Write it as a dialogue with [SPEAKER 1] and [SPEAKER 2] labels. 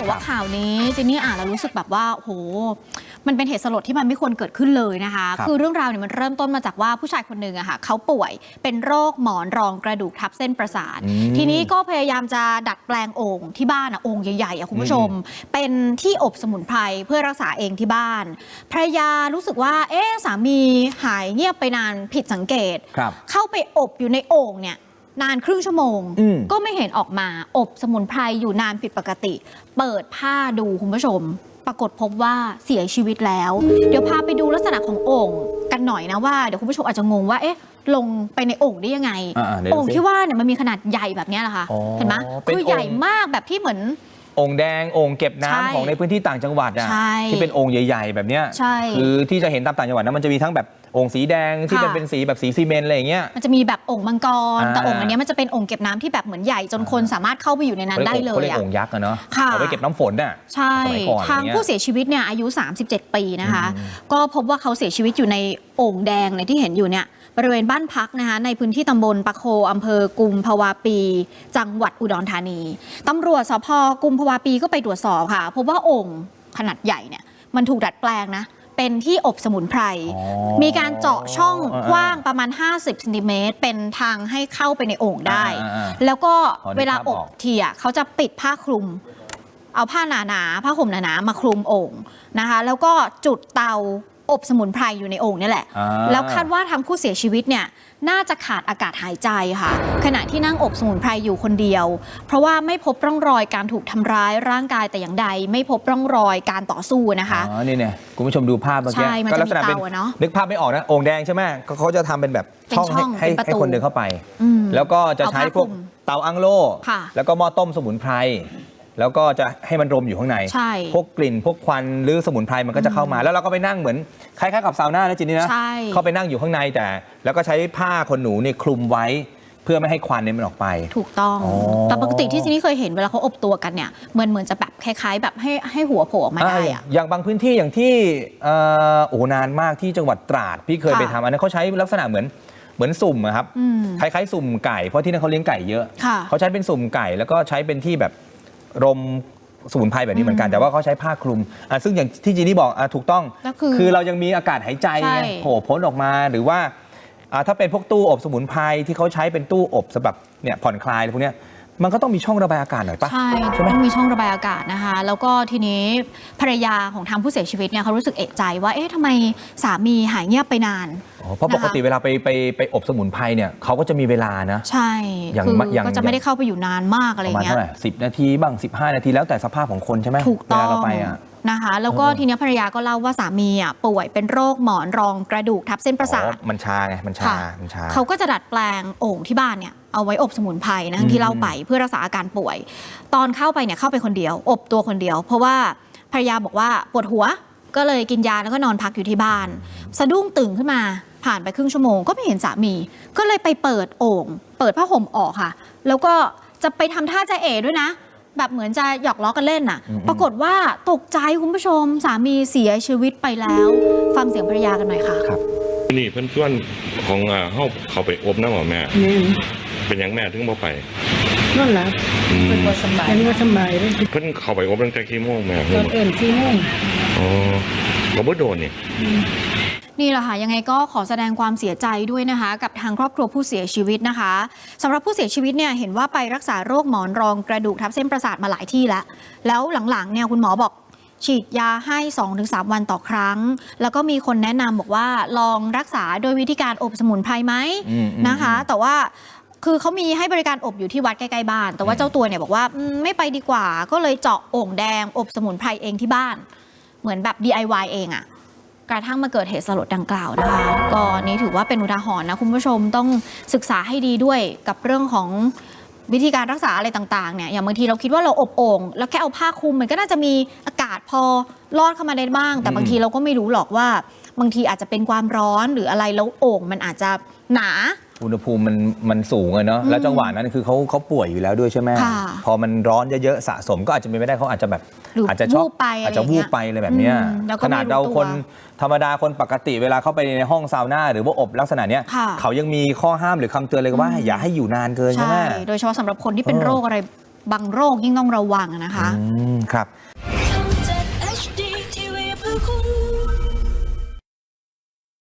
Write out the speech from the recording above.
[SPEAKER 1] บอกว่าข่าวนี้เจนนี่อ่านแล้วรู้สึกแบบว่าโหมันเป็นเหตุสลดที่มันไม่ควรเกิดขึ้นเลยนะคะคือเรื่องราวเนี่ยมันเริ่มต้นมาจากว่าผู้ชายคนหนึ่งอะค่ะเขาป่วยเป็นโรคหมอนรองกระดูกทับเส้นประสาททีนี้ก็พยายามจะดัดแปลงโอ่งที่บ้านอะโอ่งใหญ่ๆอะคุณผู้ชมเป็นที่อบสมุนไพรเพื่อรักษาเองที่บ้านภรรยารู้สึกว่าสามีหายเงียบไปนานผิดสังเกตเข้าไปอบอยู่ในโอ่งเนี่ยนานครึ่งชั่วโมงก็ไม่เห็นออกมาอบสมุนไพรอยู่นานผิดปกติเปิดผ้าดูคุณผู้ชมปรากฏพบว่าเสียชีวิตแล้วเดี๋ยวพาไปดูลักษณะของโอ่งกันหน่อยนะว่าเดี๋ยวคุณผู้ชมอาจจะงงว่าลงไปในโอ่งได้ยังไงโอ่งที่ว่าเนี่ยมันมีขนาดใหญ่แบบนี้แหละค่ะเห็นไหมคือใหญ่มากแบบที่เหมือน
[SPEAKER 2] โอ่งแดงโอ่งเก็บน้ำของในพื้นที่ต่างจังหวัดอะที่เป็นโอ่งใหญ่ๆแบบเนี้ยคือที่จะเห็นตามต่างจังหวัดนะมันจะมีทั้งแบบโอ่งสีแดงที่เป็นสีแบบสีซีเมนต์อะไรอย่างเงี้ย
[SPEAKER 1] มันจะมีแบบโอ่งมังกรแต่โอ่งอันนี้มันจะเป็นโอ่งเก็บน้ำที่แบบเหมือนใหญ่จนคนสามารถเข้าไปอยู่ในนั้นได้เลย
[SPEAKER 2] เขาเรียกโอ่งยักษ์อะเนาะเอาไว้เก็บน้ำฝนน่ะ
[SPEAKER 1] ใช่ทางผู้เสียชีวิตเนี่ยอายุ37 ปีนะคะก็พบว่าเขาเสียชีวิตอยู่ในโอ่งแดงที่เห็นอยู่เนี่ยบริเวณบ้านพักนะคะในพื้นที่ตำบลปะโคอำเภอกุมภาวะปีจังหวัดอุดรธานีตำรวจสภ.กุมภาวะปีก็ไปตรวจสอบค่ะพบว่าโอ่งขนาดใหญ่เนี่ยมันถูกดัดแปลงนะเป็นที่อบสมุนไพรมีการเจาะช่องกว้างประมาณ50 ซนเป็นทางให้เข้าไปในโอ่งได้แล้วก็เวลาอบทีเขาจะปิดผ้าคลุมเอาผ้าหนาๆผ้าห่มหนาๆมาคลุมโอ่งนะคะแล้วก็จุดเตาอบสมุนไพรอยู่ในโอ่งนี่แหละแล้วคาดว่าทางผู้เสียชีวิตเนี่ยน่าจะขาดอากาศหายใจค่ะขณะที่นั่งอบสมุนไพรอยู่คนเดียวเพราะว่าไม่พบร่องรอยการถูกทำร้ายร่างกายแต่อย่างใดไม่พบร่องรอยการต่อสู้นะคะ
[SPEAKER 2] นี่เนี่ยคุณผู้ชมดูภาพเมื่อกี้
[SPEAKER 1] ก็ลักษณะเป็น
[SPEAKER 2] นึกภาพไม่ออกนะโอ่งแดงใช่ไหมเขาจะทำเป็นแบบช่องให้คนเดินเข้าไปแล้วก็จะใช้พวกเตาอั้งโล่แล้วก็หม้อต้มสมุนไพรแล้วก็จะให้มันรมอยู่ข้างในพวกกลิ่นพวกควันหรือสมุนไพรมันก็จะเข้ามาแล้วเราก็ไปนั่งเหมือนคล้ายๆกับซาวน่านะจินนี่นะเข้าไปนั่งอยู่ข้างในแต่แล้วก็ใช้ผ้าขนหนูเนี่ยคลุมไว้เพื่อไม่ให้ควันเนี่ยมันออกไป
[SPEAKER 1] ถูกต้องแต่ปกติที่จินนี่เคยเห็นเวลาเขาอบตัวกันเนี่ยเหมือนจะแบบคล้ายๆแบบให้หัวโผล่ออกมาได้อะ
[SPEAKER 2] อย่างบางพื้นที่อย่างที่นานมากที่จังหวัดตราดพี่เคยไปทำอันนั้นเขาใช้ลักษณะเหมือนสุ่มครับคล้ายๆสุ่มไก่เพราะที่นั่นเขาเลี้ยงไก่เยอะเขาใช้เป็นสุ่มไก่แล้วก็ใช้เป็นที่แบบรมสมุนไพรแบบนี้เหมือนกันแต่ว่าเขาใช้ผ้าคลุมซึ่งอย่างที่จีนี่บอกถูกต้องคือเรายังมีอากาศหายใจโผล่พ้นออกมาหรือว่าถ้าเป็นพวกตู้อบสมุนไพรที่เขาใช้เป็นตู้อบสำหรับเนี่ยผ่อนคลายพวกนี้มันก็ต้องมีช่องระบายอากาศหน่อยปะ
[SPEAKER 1] ใช่ต้องมีช่องระบายอากาศนะคะแล้วก็ทีนี้ภรรยาของทางผู้เสียชีวิตเนี่ยเขารู้สึกเอะใจว่าทำไมสามีหายเงียบไปนาน
[SPEAKER 2] เพราะปกติเวลาไปอบสมุนไพรเนี่ยเขาก็จะมีเวลานะ
[SPEAKER 1] ใช่ก็จะไม่ได้เข้าไปอยู่นานมากอะไรเงี้ย
[SPEAKER 2] ประมาณเท่าไหร่10 นาทีบ้าง15 นาทีแล้วแต่สภาพของคนใช่ไหม
[SPEAKER 1] ถูกต้อง
[SPEAKER 2] เวลาเราไป
[SPEAKER 1] นะคะแล้วก็ทีนี้ภรรยาก็เล่าว่าสามีป่วยเป็นโรคหมอนรองกระดูกทับเส้นประสาท
[SPEAKER 2] มันชาไงมันชา
[SPEAKER 1] เขาก็จะดัดแปลงโอ่งที่บ้านเนี่ยเอาไว้อบสมุนไพรนะที่เล่าไปเพื่อรักษาอาการป่วยตอนเข้าไปเนี่ยเข้าไปคนเดียวอบตัวคนเดียวเพราะว่าภรรยาบอกว่าปวดหัวก็เลยกินยาแล้วก็นอนพักอยู่ที่บ้านสะดุ้งตื่นขึ้นมาผ่านไปครึ่งชั่วโมงก็ไม่เห็นสามีก็เลยไปเปิดโอ่งเปิดผ้าห่มออกค่ะแล้วก็จะไปทำท่าจะด้วยนะแบบเหมือนจะหยอกล้อกันเล่นน่ะปรากฏว่าตกใจคุณผู้ชมสามีเสียชีวิตไปแล้วฟังเสียงภรรยากันหน่อยค่ะ
[SPEAKER 2] ครับ
[SPEAKER 3] นี่เพื่อนส่วนของเขาไปอบน้ำหรอแม่เป็นอย่างแม่ถึงบ่ไป
[SPEAKER 4] นั่นแหละเป็นว่าสบายเลย
[SPEAKER 3] เพื่อนเขาไปอบตั้งแต่กี่โมงแม่
[SPEAKER 4] ตอนกี่โมง
[SPEAKER 3] เราไม่โดน
[SPEAKER 1] นี่แหละค่ะยังไงก็ขอแสดงความเสียใจด้วยนะคะกับทางครอบครัวผู้เสียชีวิตนะคะสำหรับผู้เสียชีวิตเนี่ยเห็นว่าไปรักษาโรคหมอนรองกระดูกทับเส้นประสาทมาหลายที่แล้วหลังๆเนี่ยคุณหมอบอกฉีดยาให้ 2-3 วันต่อครั้งแล้วก็มีคนแนะนำบอกว่าลองรักษาโดยวิธีการอบสมุนไพรไหมนะคะแต่ว่าคือเขามีให้บริการอบอยู่ที่วัดใกล้ๆบ้านแต่ว่าเจ้าตัวเนี่ยบอกว่าไม่ไปดีกว่าก็เลยเจาะโอ่งแดงอบสมุนไพรเองที่บ้านเหมือนแบบ DIY เองกระทั่งมาเกิดเหตุสลดดังกล่าวนะคะก็นี้ถือว่าเป็นอุทาหรณ์นะคุณผู้ชมต้องศึกษาให้ดีด้วยกับเรื่องของวิธีการรักษาอะไรต่างๆเนี่ยอย่างบางทีเราคิดว่าเราอบโอ่งแล้วแค่เอาผ้าคลุมมันก็น่าจะมีอากาศพอลอดเข้ามาได้บ้างแต่บางทีเราก็ไม่รู้หรอกว่าบางทีอาจจะเป็นความร้อนหรืออะไรแล้วโอ่งมันอาจจะหนา
[SPEAKER 2] อุณหภูมิมันสูงเนาะแล้วจังหวะนั้นคือเขาป่วยอยู่แล้วด้วยใช่ไหมพอมันร้อนเยอะๆสะสมก็อาจจะไม่ได้เขาอาจจะแบบอาจจะช็อกอาจจะวูบไปอะไรแบบนี้ขนาดเราคนธรรมดาคนปกติเวลาเข้าไปในห้องซาวน่าหรือว่าอบลักษณะนี้เขายังมีข้อห้ามหรือคำเตือนเลยว่าอย่าให้อยู่นานเกินใช่ไหม
[SPEAKER 1] โดยเฉพาะสำหรับคนที่เป็นโรคอะไรบางโรคยิ่งต้องระวังนะคะ
[SPEAKER 2] ครับ
[SPEAKER 5] ช่อง 7 HD TV เพื่อคุณ